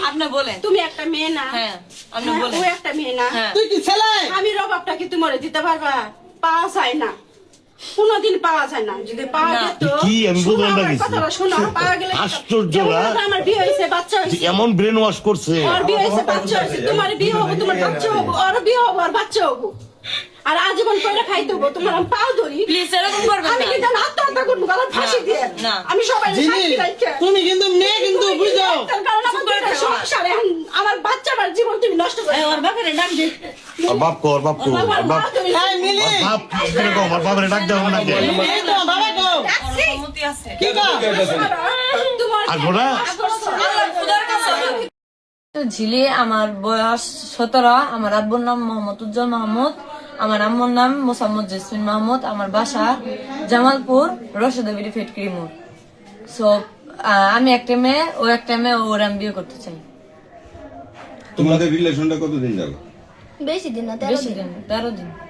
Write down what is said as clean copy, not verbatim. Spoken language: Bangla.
আপনি বলেন তুমি একটা মেয়ে না? হ্যাঁ আপনি বলেন ও একটা মেয়ে না? হ্যাঁ। তুই কি ছেলে? আমি রবাবটা কি তুমি দিতে পারবা? পাওয়া যায় না, কোনোদিন পাওয়া যায় না। যদি পাওয়া না। যেত, কি আমি শোনো বুঝলাম না আমার কিছু। কথাটা, শোনো, পাওয়া গেলে আশ্চর্য যেমন না? হয়তো আমার বিয়ে হয়েছে, বাচ্চা হয়েছে, এমন ব্রেন ওয়াশ করছে। ওর বিয়ে হয়েছে, বাচ্চা হয়েছে, তোমার বিয়ে হবো, তোমার বাচ্চা হবো, ওর বিয়ে হবো, আর বাচ্চা হবো, আর আজীবন করে খাইতে হবো। তোমার আমি পাও ধরি, প্লিজ এরকম করবেন আমি না কিন্তু আত্মহত্যা করবো, গলার ফাঁসি দিয়ে। না। আমি সবাই জিনি, সাক্ষী রাখি। তুমি কিন্তু মেয়ে কিন্তু বুঝো। তার কারণ আমার দুইটা সংসার, এখন আমার বাচ্চা, আমার জীবন তুমি নষ্ট করে। ওর বাপের ডাক দে আর বাপ কো, আর বাপ কো, আমার আর মা বাপ, তুমি এই মিলি, আর বাপ কিরকম? আর বাপরে ডাক দেবো নাকি? এই তো বাবা গো। ডাকছি। অনুমতি আছে কি গো? তোমার আসবো না? আল্লাহ খোদার কাছে তো ঝিলি। আমার বয়স 17। আমার আব্বুর নাম মোহাম্মদ উজ্জ্বল মাহমুদ, আমার আম্মুর নাম মোসাম্মদ জেসমিন মাহমুদ, আমার বাসা জামালপুর রশদাবিরি ফেটকিরি মোড়। সো আমি একটা মেয়ে, ও একটা মেয়ে, ওর আমি বিয়ে করতে চাই। তোমাদের রিলেশনটা কতদিন যাবে? বেশি দিন না, 13 বেশি দিন। দিন, 13 দিন।